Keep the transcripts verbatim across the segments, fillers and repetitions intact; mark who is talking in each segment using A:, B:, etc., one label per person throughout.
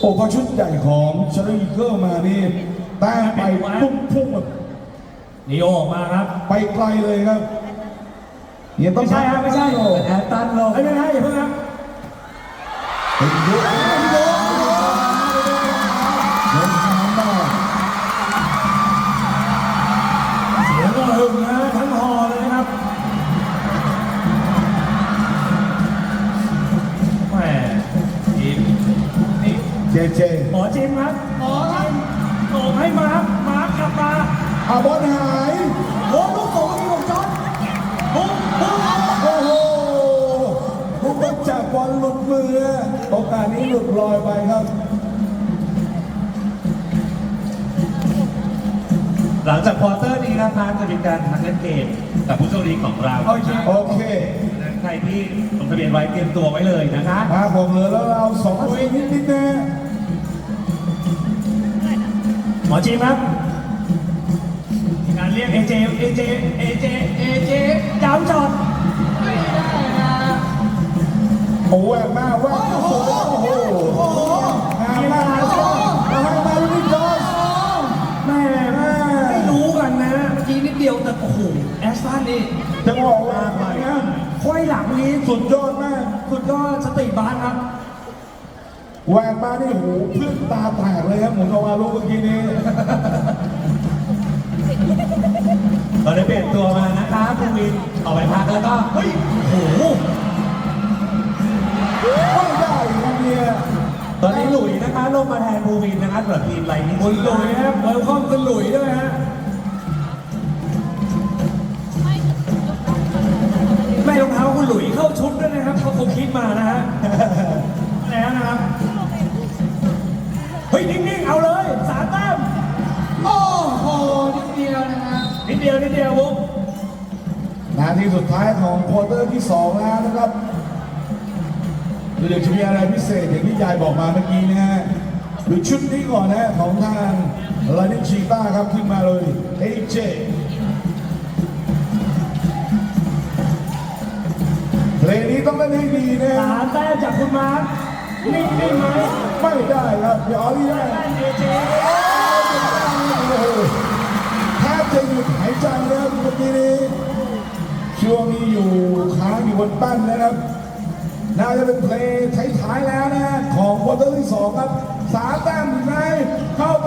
A: โอ้พอชุดใหญ่ของชาร์ลีเกิลมานี่แต้มไปพุ่งพุ่งแบบ
B: นีโอออกมาครับ
A: ไปไกลเลยครับเนี่ยต้อง
B: ไม่ใช่ครับไม่ใช่แอตตันลงไม่ใช่อย่าเพิ่งครับ
A: เป็นเยอะเป็นเยอะเดินทางได้
B: เสียงก็หึงนะทั้งฮอเลยนะครับแหมทีมนี่
A: เจเจ
B: หมอจิมครับหมอจิมโง่ให้มาร์คมาร์คกลับมา
A: อาบอลหาย
B: โอ้ลูกโป่งที่ของจอร์จปุ๊บปุ๊บ
A: โอ้โหลูกจากบอลหลุดมือโอกาสนี้หลุดลอยไปครับ
B: หลังจากควอเตอร์นี้นะครับจะมีการทักเล่นเกมกับผู้โชคดีของเรา
A: โอเคโอเค
B: ใครที่ลงทะเบียนไว้เตรียมตัวไว้เลยนะคะ
A: มาผมเหลือแล้วเราสองตัวเองนิดนิดนะ
B: หมอจีครับการเรียกเอเจเอเจเอเจเอเจดาวจอดไม่ได้นะ
A: โอ้แหวกมาแหวกโอ้โหโอ้โหงามมากเลยมาให้มาลูกจอสแม่แม่
B: ไม่รู้กันนะเมื่อกี้นิดเดียวแต่โอ้โหแอสตันนี่
A: จะบอกว่าอะไรนะ
B: ค่อยหลังนี้
A: สุดยอดมาก
B: สุดยอดสติบาสครับ
A: แหวกมานี่โหเพื่อนตาแตกเลยครับหมุนออกมาลูกเมื่อกี้นี้
B: เราได้เปลี่ยนตัวมานะคะภูวินออกไปพักแล้วก็เฮ้ยโอ้โห
A: ไม่ได้ครับเนี่ย
B: ตอนนี้หลุยนะคะลงมาแทนภูวินนะคะสำหรับทีมไรนี่คุณหลุยนะครับเวลคอมคุณหลุยด้วยฮะไม่รองเท้าคุณหลุยเข้าชุดด้วยนะครับเขาคงคิดมานะฮะแล้วนะครับเฮ้ยนิ่งๆเอาเลยสามแต้ม
C: โอ้โหนิดเดียวนะครับ
B: นิดเดียวนิดเดียวบุ๊ก
A: นาทีสุดท้ายของควอเตอร์ที่สองแล้วนะครับเดี๋ยวจะมีอะไรพิเศษอย่างที่ยายบอกมาเมื่อกี้นะฮะดูชุดนี้ก่อนนะของทางลานิชีต้าครับขึ้นมาเลยเอเจเพลงนี้ต้องเล่นให้ดีนะ
B: สามแต้มจากคุณมาร์คนิ่งได้ไหม
A: ไม่ได้ครับเดี๋ยวออลี่ได้
B: เอเจ
A: แทบจะหยุดหายใจแล้วเมื่อกี้นี้ช่วงนี้อยู่ค้างอยู่บนปั้นนะครับน่าจะเป็นเพลงท้ายๆแล้วนะของควอเตอร์ที่สองครับสามแต้มไหนเข้าไป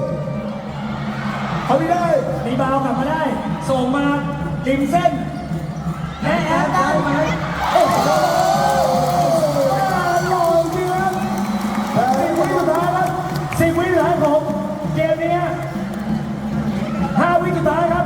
A: เขาไม่ได้
B: รีบาวกลับมาได้ส่งมาริมเส้นและแอดได้ไหมโอ้โห
A: ลอยเนื้อ
B: แต่สิบวิสุดท้ายครับสิบวิสุดท้ายผมเกมนี้ห้าวิสุดท้ายครับ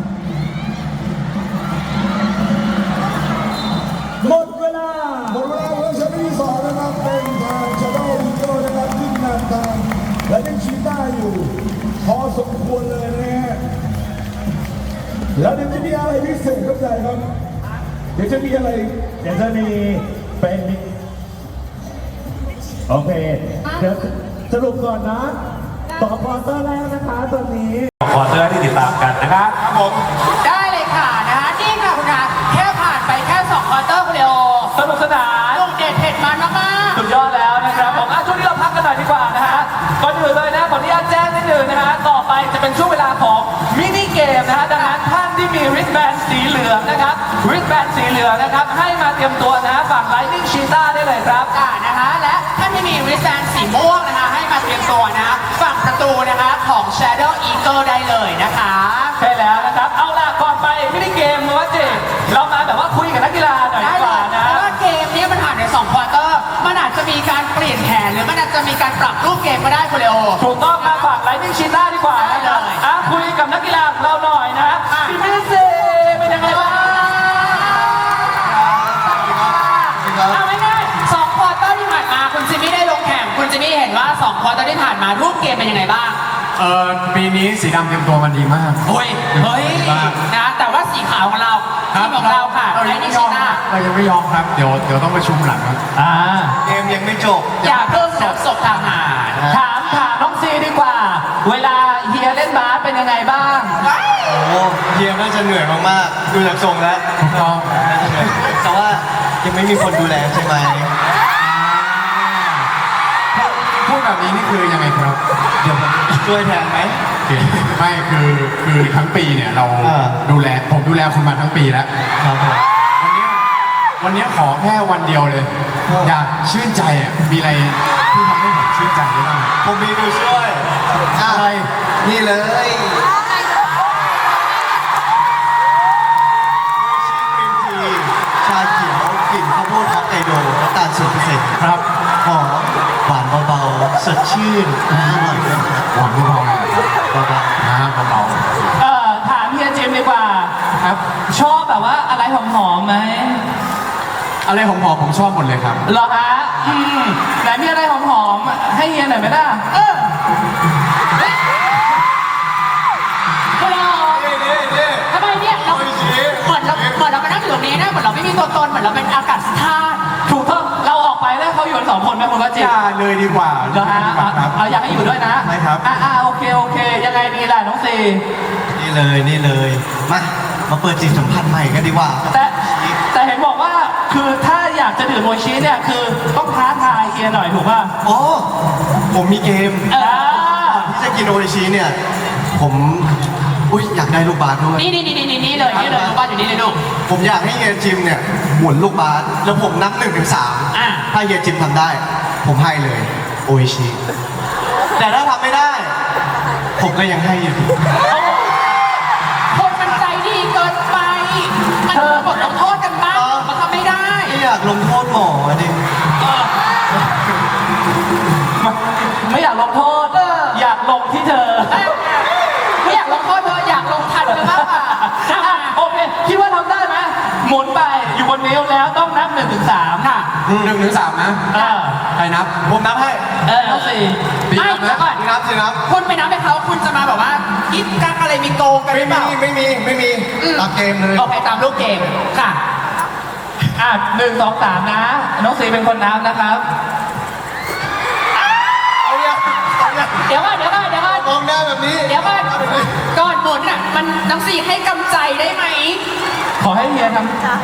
B: หมดเวลา
A: หมดเวลาของชั้นที่สองนะครับเป็นทางชาโดว์อีโก้นะครับขึ้นนำทางและยังชี้ได้อยู่พอสมควรเลยนะฮะแล้วเดี๋ยวจะมีอะไรพิเศษครับใหญ่ครับเดี๋ยวจะมีอะไร
B: เดี๋ยวจะมีเป็นโอเคเดี๋ยวสรุปก่อนนะต่อควอเตอร์แรกนะคะตอนนี้ควอเตอร์ที่ติดตามกันนะครับ
C: ครับผมได้เลยค่ะนะคะนี่ค่ะคุณอาแค่ผ่านไปแค่สองควอเตอร์คุณเลโอ
B: สนุกสนาน
C: ลูกเด็ดเผ็ดมันมาก
B: ๆสุดยอดแล้วนะครับผมช่วงนี้เราพักกันหน่อยดีกว่านะฮะก่อนอื่นเลยนะขออนุญาตแจ้งนิดนึงนะฮะต่อไปจะเป็นช่วงเวลาของมินิเกมนะฮะดังนั้นท่านที่มีริสแบนสีเหลืองนะครับริสแบนสีเหลืองนะครับให้มาเตรียมตัวนะฝั่งไลนิ่งชีต้าได้เลยครับ
C: อ่านะคะและท่านที่มีริสแบนสีม่วงนะคะให้มาเตรียมตัวนะฝั่งประตูนะคะของ Shadow Eagle ได้เลยนะคะ
B: ใช่แล้วนะครับเอาล่ะก่อนไปมินิเกมมาว่าจิเรามาแบบว่าคุยกับนักกีฬาหน่อยดีกว่านะ
C: เพราะว่าเกมนี้มันผ่านในสองควอเตอร์มันอาจจะมีการเปลี่ยนแผนหรือมันอาจจะมีการปรับรูปเกมก็ได้คุณเลโอ
B: ถูกต้องมาฝากไลนิ่งชีต้าดีกว่านะครับอ่ะคุยกับนักกีฬาเราหน่อยนะพี่มิสเซ่เป็นยังไงบ้าง
C: เอาง่ายๆสองควอเตอร์ที่ผ่านมาคุณจิมมี่ได้ลงแข่งคุณจิมมี่เห็นว่าสองควอเตอร์ที่ผ่านมารูปเกมเป็นยังไงบ้าง
D: เออปีนี้สีดำเตรียมตัวมันดีมาก
C: เฮ้ยเฮ้ยนะแต่ว่าสีขาวของเราทีมของเราค่ะ
D: เรายังไม่ยอมเรายังไม่ยอมครับเดี๋ยวเดี๋ยวต้องประชุมหลังครับ
B: อ่า
D: เกมยังไม่จบ
C: อย่าเพิ่งศพศพทหาร
B: ถามถามน้องซีดีกว่าเวลาเฮียเล่นบาสเป็นยังไงบ้าง
D: โอ้เฮียน่าจะเหนื่อยมากๆดูจากทรงแล้วแต่ว่ายังไม่มีคนดูแลใช่ไหมพูดแบ
E: แบบนี้นี่คือยังไงครับ
D: เดี๋ยวผมช่วยแทนไหม
E: ไม่คือคือทั้งปีเนี่ยเรา
D: อ่า
E: ดูแลผมดูแลคุณมาทั้งปีแล้ว
D: ครับผม
E: วันเนี้ยวันเนี้ยขอแค่วันเดียวเลย อยากชื่นใจอ่ะมีอะไรที่ทำให้ผมชื่นใจได้บ้าง
D: ผมมีตัวช่วยอะไรนี่เลยชาเขียวกลิ่นข้าวโพดฮอกไกโดน้ำตาลศูนย์เปอร์เซ็นต์
E: ครับ
D: หอมหวานเบาๆสดชื่นอร่อยด้วยครับ
E: หวานผู้พองเลย
D: เบา
E: นะเบา
B: เอ่อถามเฮียจิมดีกว่า
E: ๆครับ
B: ชอบแบบว่าอะไรหอมๆไหม
E: อะไรหอมๆผมชอบหมดเลยครับ
B: เหรอฮะอืมไหนมีอะไรหอมๆให้เฮียหน่อยไหมล่ะเออ
D: นี่นี่นี่
C: ทำไมเนี่ยเรา
D: โอ้ยชี้
C: เหมือนเราเหมือนเรามานั่งอยู่ตรงนี้นะเหมือนเราไม่มีตัวตนเหมือนเราเป็นอากาศธาตุ
B: ถูกต้องเราออกไปแล้วเขาอยู่กันสองคนไหมคุณว่าจิ
E: อย่าเลยดีกว่า
B: เหรอฮะ
E: ดีกว่าครับ
B: เอาอยากให้อยู่ด้วยนะ
E: ใช่ครับ
B: อ่าอ่าโอเคโอเค ยังไงดีล่ะน้องซี
D: นี่เลยนี่เลยมามาเปิดจิตสัมผัสใหม่กันดีกว่า
B: แต่แต่เห็นบอกว่าคือถ้าอยากจะดื่มโมชิเนี่ยคือต้องท้าทายเฮียหน่อยถูกป่ะ
D: อ๋อผมมีเกม
B: อ่า
D: ที่จะกินโออิชิเนี่ย ผมอุ้ยอยากได้ลูกบาสด้วย
C: นี่นี่นี่นี่นี่เลยนี่เลยลูกบ้านอยู่นี่เลยลูก
D: ผมอยากให้เฮียจิมเนี่ยหมุนลูกบาสแล้วผมนับหนึ่งถึงสาม
C: อ่ะ
D: ถ้าเฮียจิมทำได้ ผมให้เลยโออิชิแต่ถ้าทำไม่ได้ ผมก็ยังให้อยู่ดี
C: คนมันใจดีเกินไป มันมีบทลงโทษกันบ้างมันทำไม่ได้
D: ไม่อยากลงโทษหมอดิ
B: ไม่อยากลงโทษ
C: เออ
B: อยากลงที่เธอ
C: ไม่อยากลงโทษเธออยากลงทันเธอมากกว่า
B: อ่ะโอเค คิดว่าทำได้ไหมหมุนไปอยู่บนนิ้วแล้วต้องนับหนึ่งถึงสาม
C: ค่ะ
E: หนึ่งถึงสามนะ
B: เออ
E: ใครนับ
D: ผมนับให้
B: เออน้องสี่
E: ดี
C: ไม่
E: นับ
C: เดี๋ยวก่อน
D: สินับสินับ
C: คุณไปนับให้เขาคุณจะมาแบบว่ากิ๊กกักอะไรมีโกงกันห
D: ไม่
C: รือเป
D: มี
C: ล่า
D: ไม่มีไม่มีตามเกมเลย
C: โอเคตามลูกเกมค่ะ
B: อ่ะหนึ่งสองสามนะ น้องสี่เป็นคนนับนะครับ
D: เอาเนี่ยเอาเนี่ย
C: เดี๋ยวก่อนเดี๋ยวก่อนเดี๋ยวก่อน
D: มองหน้าแบบนี้
C: เดี๋ยวก่อนก่อนหมุนอ่ะมันน้องสี่ให้กำใจได้ไหม
B: ขอให้เฮียทำ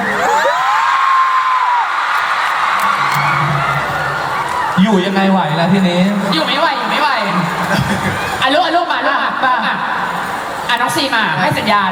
B: อยู่ยังไงไหวล่ะทีนี้
C: อยู่ไม่ไหวอยู่ไม่ไหวอ่ะลูกอ่ะลูกมาลูกมา
B: ป้า
C: อ่ะอ่ะน้องสี่มาให้สัญญาณ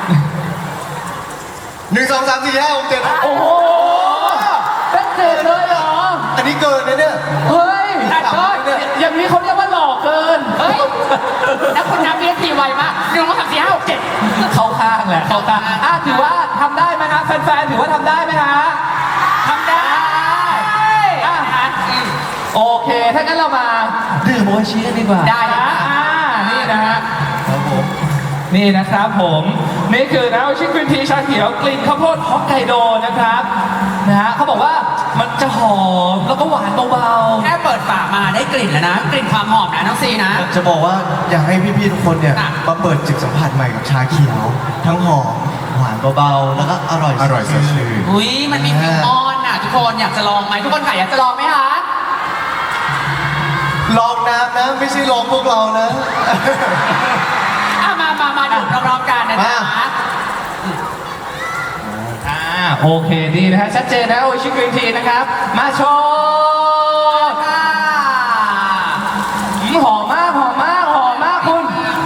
D: หนึ่งสองสามสี่ห้าหกเจ็ด
B: โอ้โหเป็นเจ็ดเลยเหรอ
D: อันนี้เกินนะเนี่ย
B: เฮ้ย
C: ตัดก้อน
B: อย่างนี้เขาเรียกว่าหลอกเกิน
C: เฮ้ยแล้วคุณนับเบียทีไวมากหนึ่งสองสามสี่ห้าหกเจ็ด
B: เข้าข้างแหละเข้าข้างอ่ะถือว่าทำได้ไหมฮะแฟนๆถือว่าทำได้ไหมฮะ
C: ทำได้
B: อ่ะ
C: นะคะอืม
B: โอเค ถ้างั้นเรามาดื่มโออิชิกันดีกว่า
C: ได้
B: นะอ่านี่นะฮะ
D: ครับผม
B: นี่นะครับผม นี่คือน้ำโออิชิกรีนทีชาเขียวกลิ่นข้าวโพดฮอกไกโดนะครับนะฮะเขาบอกว่ามันจะหอมแล้วก็หวานเบา
C: แค่เปิดฝามาได้กลิ่นแล้วนะ กลิ่นความหอมนะน้องซีนะ
D: จะบอกว่าอยากให้พี่ๆทุกคนเนี่ย
C: ค่ะ
D: มาเปิดจิตสัมผัสใหม่กับชาเขียว ทั้งหอมหวานเบาๆ แล้วก็อร่อย
E: อร่อยสดชื่น
C: อุ้ยมันมีฟิวออนอ่ะทุกคนอยากจะลองไหมทุกคนค่ะอยากจะลองไหมคะ
D: ลองน้ำนะ ไม่ใช่ลองพวกเรานะ
C: อ่ะมามามาดื่มพร้อมๆกันนะจ๊ะ
D: มา
B: ๆอ่าโอเคดีนะฮะชัดเจนนะโออิชิกรีนทีนะครับ มาโชว์
C: ค่ะ
B: อืมหอมมากหอมมากหอมมากคุณ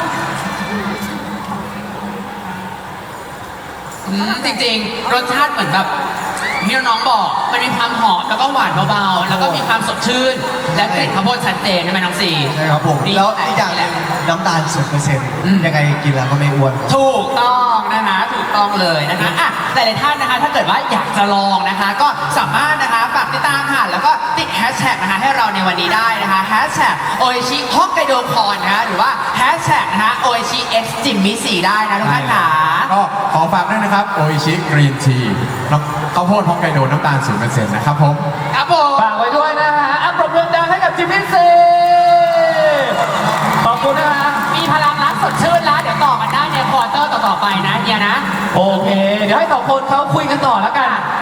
C: อืมจริงๆ รสชาติเหมือนแบบที่น้องบอกมันมีความหอมแล้วก็หวานเบาๆแล้วก็มีความสดชื่น และกลิ่นข้าวโพดชัดเจนใช่ไหมน้องซี
D: ใช่ครับผม
C: นี่
D: แล้วอีกอย่างหนึงน้ำตาลศูนย์เปอร์เซ็นต์
C: อืม
D: ยังไงกินแล้วก็ไม่อ้วน
C: ถูกต้องนะคะถูกต้องเลยนะคะอ่ะหลายๆท่านนะคะ ถ้าเกิดว่าอยากจะลองนะคะ ก็สามารถนะคะฝากติดตามค่ะ แล้วก็ติดแฮชแท็กนะคะให้เราในวันนี้ได้นะคะแฮชแท็กโออิชิฮอกไกโดคอนนะคะหรือว่าแฮชแท็กนะคะโออิชิเอ็กซ์จิมมิสี่ได้นะทุกท่านค่ะ
E: ก็ขอฝากด้วยนะครับโออิชิกรีนทีข้าวโพดฮอกไกโดน้ำตาลศูนย์เปอร์เซ็นต์นะครับผม
C: ครับผม
B: ฝากไว้ด้วยนะฮะอ่ะปรบมือดังให้กับจิมมี่ซีขอบคุณนะฮะ
C: มีพลังรักสดชื่นแล้ว เดี๋ยวต่อกันได้ในควอเตอร์ต่อๆไปนะเฮียนะ
B: โอเค เดี๋ยวให้สองคนเขาคุยกันต่อแล้วกัน